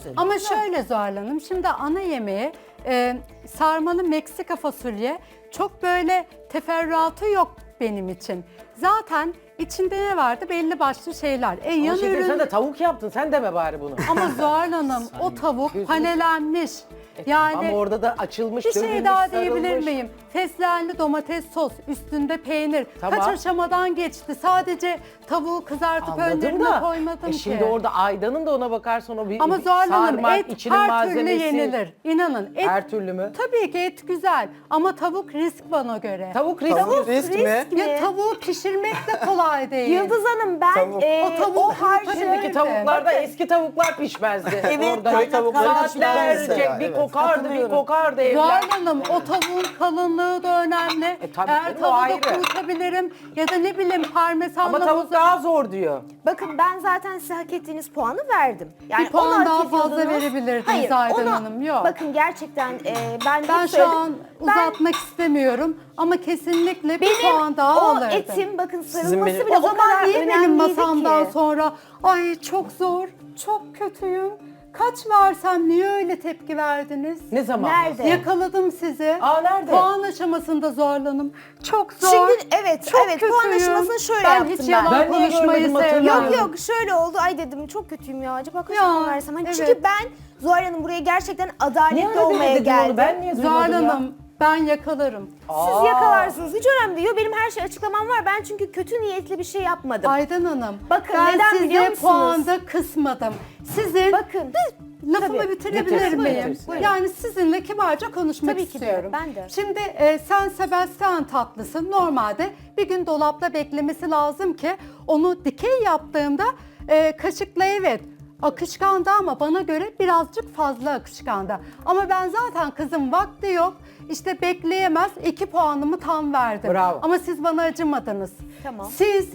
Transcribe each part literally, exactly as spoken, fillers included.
güzel. Ama şöyle Zuhal Hanım, şimdi ana yemeği e, sarmalı Meksika fasulye çok böyle teferruatı yok benim için. Zaten içinde ne vardı? Belli başlı şeyler. E, Ama yan şekerim, ürün... sen de tavuk yaptın. Sen deme bari bunu. Ama Zuhal Hanım o tavuk gözünü- panelenmiş. Yani Ama orada da açılmış, bir şey dövülmüş, daha diyebilir sarılmış. miyim? Fesleğenli domates sos, üstünde peynir. Tamam. Kaç aşamadan geçti. Sadece tavuğu kızartıp Anladım önlerine da. koymadım E ki. şimdi orada Aydan'ın da ona bakarsan o bir, Ama bir Zuhal Hanım sarma, et içinin her malzemesi. türlü yenilir. İnanın. Et, Her türlü mü? Tabii ki et güzel ama tavuk risk bana göre. Tavuk risk. Tavuk risk mi? Ya tavuğu pişirmek de kolay değil. Yıldız Hanım ben Tavuk. e, O tavuk o harcı Şimdiki tavuklarda eski tavuklar pişmezdi. Evet, Orada köy tavukları saatlerce pişmezdi. bir Evet, kokardı, bir katılıyorum. kokardı evler. Zuhal Hanım o tavuğun kalınlığı da önemli. E, tabii Eğer canım, o tavuğu ayrı. kurutabilirim ya da ne bileyim parmesanla Ama tavuk boza- daha zor diyor. Bakın ben zaten size hak ettiğiniz puanı verdim. Yani Bir puan onu hak daha fazla ediyordunuz. verebilirdiniz Hayır, Aydan onu- Hanım, yok. Bakın gerçekten e, ben, Ben hep şu söyledim. an Ben- uzatmak istemiyorum ama kesinlikle bir benim puan daha o alırdım. etim bakın sarılması benim- bile O o, zaman kadar niye benim önemliydi masamdan ki. sonra ay çok zor, çok kötüyüm, kaç versem niye öyle tepki verdiniz? Ne zaman? Nerede? Yakaladım sizi. Aa, nerede? Puan aşamasında zorlanım. Çok zor. Şimdi evet çok evet puan kötüyüm. aşamasını şöyle ben yaptım hiç ben. yalan Ben niye konuşmayı görmedim, hatırlamıyorum. sevmiyorum. Yok yok şöyle oldu ay dedim çok kötüyüm ya acaba kaç Ya, puan versem. Hani evet. Çünkü ben Zuhal Hanım buraya gerçekten Niye adaletli öyle olmaya demedin geldim. onu? Ben niye Zuhal duymadım ya? Hanım ben yakalarım. Siz Aa. yakalarsınız hiç önemli değil. Benim her şey açıklamam var. Ben çünkü kötü niyetli bir şey yapmadım. Aydan Hanım Bakın, ben neden biliyor size musunuz? puanda kısmadım. Sizin Bakın. lafımı Tabii. bitirebilir Bitirsin, miyim? bitirsin. Buyurun. Yani sizinle kibarca konuşmak Tabii ki de, istiyorum. ben de. Şimdi e, San Sebastian tatlısı normalde bir gün dolapta beklemesi lazım ki onu dikey yaptığımda e, kaşıkla evet akışkandı ama bana göre birazcık fazla akışkandı. Ama ben zaten kızım vakti yok işte bekleyemez iki puanımı tam verdim. Bravo. Ama siz bana acımadınız. Tamam. Siz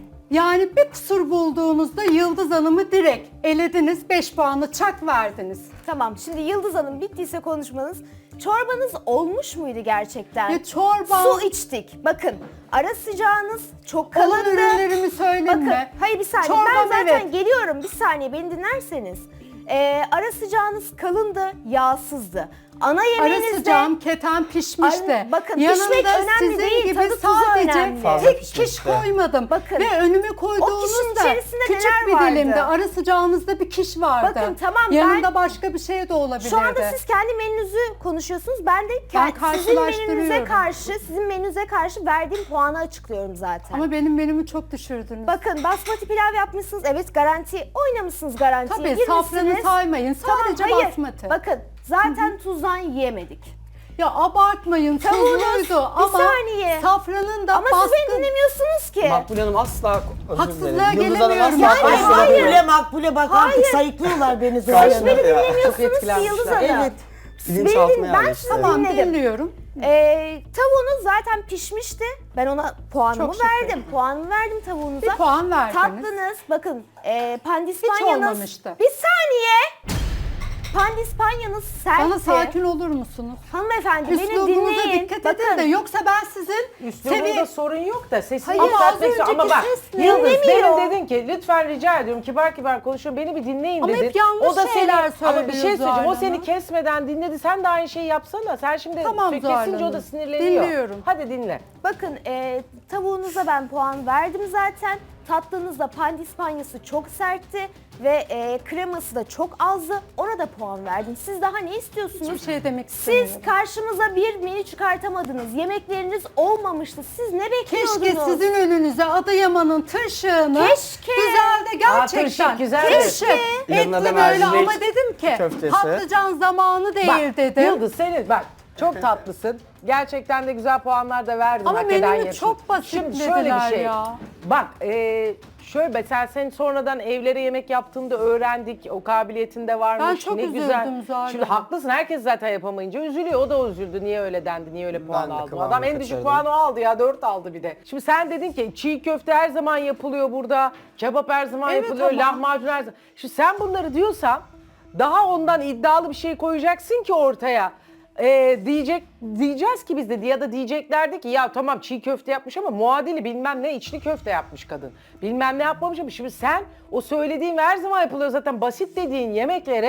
yani bir kusur bulduğunuzda Yıldız Hanım'ı direkt elediniz, beş puanı çak verdiniz. Tamam şimdi Yıldız Hanım bittiyse konuşmanız. Çorbanız olmuş muydu gerçekten? Ya çorba- Su içtik. Bakın ara sıcağınız çok Olan kalındı. ürünlerimi söyleme. Bakın hayır bir saniye ben Çorbam zaten evet. geliyorum bir saniye beni dinlerseniz. Ee, ara sıcağınız kalındı, yağsızdı. Ana Ara yemeğinizde... sıcağım keten pişmişti. Ay, bakın, Yanında pişmek önemli sizin değil, gibi tadı tuzu sadece önemli. Fazla tek kiş pişmişti. koymadım. Bakın, Ve önüme o kişinin koyduğunuzda içerisinde küçük neler bir vardı? dilimde ara sıcağınızda bir kiş vardı. Bakın, tamam, Yanında ben- başka bir şey de olabilirdi. Şu anda siz kendi menünüzü konuşuyorsunuz. Ben de Ben ke- sizin menünüze karşılaştırıyorum. karşı, sizin menünüze karşı verdiğim puanı açıklıyorum zaten. Ama benim menümü çok düşürdünüz. Bakın basmati pilav yapmışsınız. Evet garanti oynamışsınız garantiye. Tabii girmişsiniz. safranı saymayın. Sadece Tamam, hayır. basmati. Bakın zaten tuzdan yiyemedik. Ya abartmayın Tavuğunuz, tuzluydu bir ama saniye. safranın da Ama baskın. siz beni dinlemiyorsunuz ki. Makbule Hanım asla özür Haksızlığa dilerim. Yıldız Hanım gelemiyorum. asla Yani kusura hayır. bakmayın. Makbule makbule bak artık sayıklıyorlar beni Hiç zaten. beni Ya, dinlemiyorsunuz ki etkilenmişler. Yıldız Hanım. Evet. Beni Bilinçaltıma din- ben yerleşti. sizi Tamam dinledim. dinliyorum. Ee, tavuğunuz zaten pişmişti. Ben ona puanımı Çok şükür. verdim. Puanımı verdim tavuğunuza. Bir puan verdiniz. Tatlınız bakın e, pandispanyanız. olmamıştı. Bir saniye. Pandispanyanız sertti. Bana sakin olur musunuz? Hanımefendi beni Üslubunuza dinleyin. dikkat bakın, edin de yoksa ben sizin Üslubunda seviye... sorun yok da sesini Hayır, ama yükseltmek az istiyorum. Ama önceki bak ses ne? Yıldız Dinlemiyor. demin dedin ki lütfen rica ediyorum kibar kibar konuşuyorum beni bir dinleyin Ama dedin. hep yanlış o da şeyler seni, ama bir şey söylüyor söyleyeceğim o Zuhal seni Hanım. kesmeden dinledi sen de aynı şeyi yapsana. Sen şimdi Tamam kesince Zuhal o da Hanım. sinirleniyor. Dinliyorum. Hadi dinle. Bakın e, tavuğunuza ben puan verdim zaten. Tatlınızda pandispanyası çok sertti ve e, kreması da çok azdı. Ona da puan verdim. Siz daha ne istiyorsunuz? Hiçbir şey demek istemiyorum. Siz karşımıza bir menü çıkartamadınız. Yemekleriniz olmamıştı. Siz ne bekliyordunuz? Keşke sizin önünüze Adıyaman'ın tırşığını Keşke. güzel de gerçekten. Aa, tırşık güzeldir. Tırşık. Yanına Etli da böyle mercimek ama dedim ki köftesi. patlıcan zamanı değil Bak dedim. Yıldız senin bak çok tatlısın. Gerçekten de güzel puanlar da verdin. Ama hak eden menümü yapın. çok Şimdi şöyle basitlediler bir şey. ya. Bak e, şöyle mesela sen sonradan evlere yemek yaptığında öğrendik. O kabiliyetin de varmış. Ben çok ne üzüldüm güzel. Zuhal Şimdi Hanım. haklısın herkes zaten yapamayınca üzülüyor. O da üzüldü. Niye öyle dendi? Niye öyle puan de aldı? kıvamını Adam en düşük kaçırdım. puanı o aldı ya. Dört aldı bir de. Şimdi sen dedin ki çiğ köfte her zaman yapılıyor burada. Kebap her zaman Evet yapılıyor. ama- Lahmacun her zaman. Şimdi sen bunları diyorsan daha ondan iddialı bir şey koyacaksın ki ortaya. Ee, diyecek diyeceğiz ki biz de ya da diyeceklerdi ki ya tamam çiğ köfte yapmış ama muadili bilmem ne içli köfte yapmış kadın. Bilmem ne yapmamış ama şimdi sen o söylediğin ve her zaman yapılıyor zaten basit dediğin yemeklere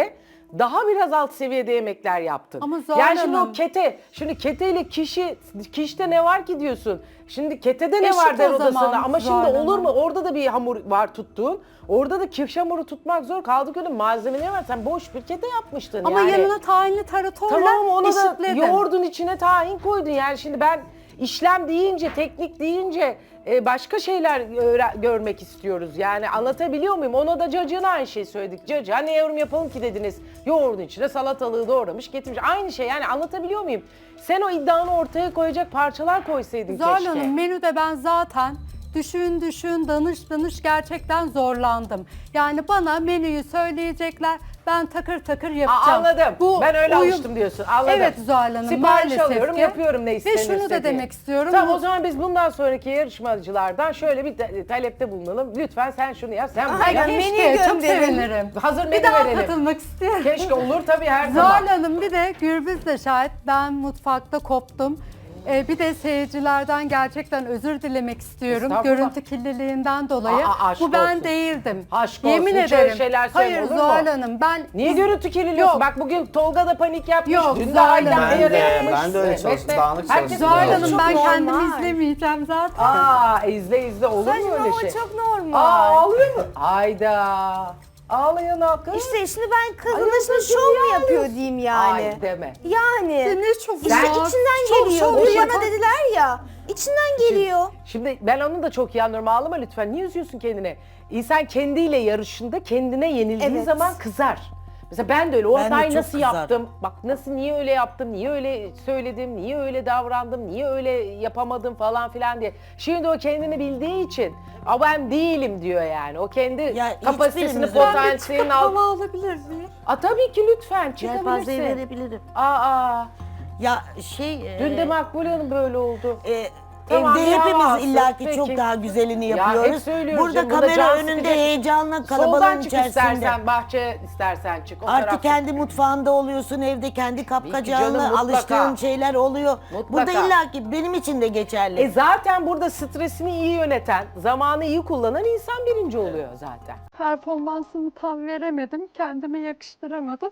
daha biraz alt seviyede yemekler yaptın. Ama Zuhal yani şimdi Hanım- o kete, şimdi keteyle kişi, kişide ne var ki diyorsun? Şimdi ketede ne Eşit var der o o da zaman sana. Ama Zuhal şimdi olur Hanım. mu? Orada da bir hamur var tuttuğun. Orada da kiş hamuru tutmak zor. Kaldık öyle malzemeler var. Sen boş bir kete yapmıştın Ama yani. yanına tahinli taratorla Tamam ama ona da eşitledim. yoğurdun içine tahin koydun. Yani şimdi ben işlem deyince, teknik deyince e, başka şeyler öğre- görmek istiyoruz. Yani anlatabiliyor muyum? Ona da cacığına aynı şeyi söyledik. Cacığa ne yorum yapalım ki dediniz. Yoğurdun içine salatalığı doğramış getirmiş. Aynı şey yani anlatabiliyor muyum? Sen o iddianı ortaya koyacak parçalar koysaydın Zuhal keşke. Hanım menüde ben zaten düşün düşün danış danış gerçekten zorlandım. Yani bana menüyü söyleyecekler, ben takır takır Aa, yapacağım. anladım. Ben öyle uyum- alıştım diyorsun. Anladım. Evet Zuhal Hanım, Sipariş maalesef alıyorum, ki. yapıyorum ne Ve istenirse şunu da diye. demek istiyorum. Tamam bu- o zaman biz bundan sonraki yarışmacılardan şöyle bir ta- talepte bulunalım. Lütfen sen şunu yap, sen bunu Ay, yap. keşke, çok sevinirim. Hazır Bir menü daha verelim. katılmak istiyorum. Keşke olur tabii her zaman. Zuhal Hanım bir de Gürbüz de şahit, ben mutfakta koptum. Ee, bir de seyircilerden gerçekten özür dilemek istiyorum. Estağfurullah. Görüntü kirliliğinden dolayı. Aa, aşk Bu ben olsun. değildim. Aşk Yemin olsun, hiç öyle ederim. şeyler söyleme, Hayır olur mu? Zuhal Hanım ben... Niye Biz- görüntü kirliliyorsun? Yok. Bak bugün Tolga da panik yapmış. Yok, Dün de Zuhal Aydan Hanım. ayarı Ben de- yapmış. ben de öyle çalıştım, Mehmet, dağınık herkes çalıştım. Zuhal böyle Hanım olsun. ben Çok kendimi normal. izlemeyeceğim zaten. Aa izle izle olur mu Saçma öyle ama şey? çok normal. Aa ağlıyor mu? Hayda. Ağlayan hakkı. İşte şimdi ben kızın Ay, şimdi kızım şov mu ya. yapıyor diyeyim yani. Ay deme. Yani. Ne çok İşte ya. içinden Çok geliyor. şov Dün yapan- bana dediler ya. İçinden geliyor. Şimdi ben onu da çok iyi anlıyorum. Ağlama lütfen. Niye üzüyorsun kendini? İnsan kendiyle yarışında kendine yenildiği Evet. zaman kızar. Mesela ben de öyle. O Ben de hatayı çok nasıl kızarım. yaptım? Bak nasıl, niye öyle yaptım? Niye öyle söyledim? Niye öyle davrandım? Niye öyle yapamadım falan filan diye. Şimdi o kendini bildiği için "Aa, ben değilim" diyor yani. O kendi Ya kapasitesini, hiçbirimiz- potansiyelini al. Hava alabilir miyim? Aa, tabii ki lütfen Yelpazeyi çıkabilirsin. verebilirim. Aa, Ya şey... dün de e, Makbule Hanım böyle oldu. e, Tamam, evde bir hepimiz hava illaki alsın, çok peki. daha güzelini Ya, hep yapıyoruz. söylüyorum Burada canım, burada kamera can önünde sıkacak. heyecanla Soldan kalabalığın çık içerisinde. istersen, bahçe istersen çık. O Artık taraf- kendi mutfağında oluyorsun, evde kendi canım, kapkacağınla mutlaka. alıştığın şeyler oluyor. Mutlaka. Burada illaki benim için de geçerli. E zaten burada stresini iyi yöneten, zamanı iyi kullanan insan birinci oluyor zaten. Performansımı tam veremedim. Kendime yakıştıramadım.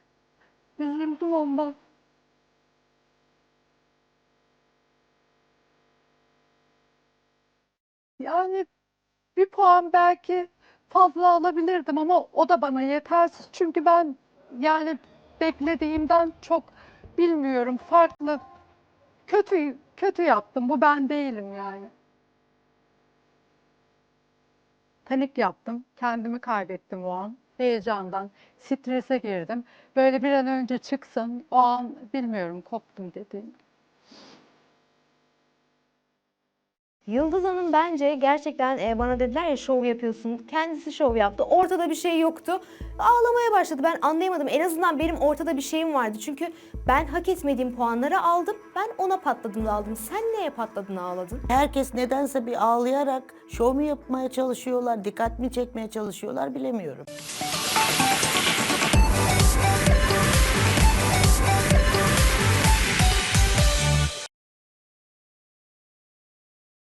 Üzüldüm ondan. Yani bir puan belki fazla alabilirdim ama o da bana yetersiz. Çünkü ben yani beklediğimden çok bilmiyorum, farklı. Kötü kötü yaptım. Bu ben değilim yani. Panik yaptım. Kendimi kaybettim o an. Heyecandan, strese girdim. Böyle bir an önce çıksın. O an bilmiyorum, koptum dediğim. Yıldız Hanım bence gerçekten e, bana dediler ya şov yapıyorsun. Kendisi şov yaptı. Ortada bir şey yoktu. Ağlamaya başladı. Ben anlayamadım. En azından benim ortada bir şeyim vardı. Çünkü ben hak etmediğim puanları aldım. Ben ona patladım da aldım. Sen neye patladın ağladın? Herkes nedense bir ağlayarak şov mu yapmaya çalışıyorlar, dikkat mi çekmeye çalışıyorlar bilemiyorum.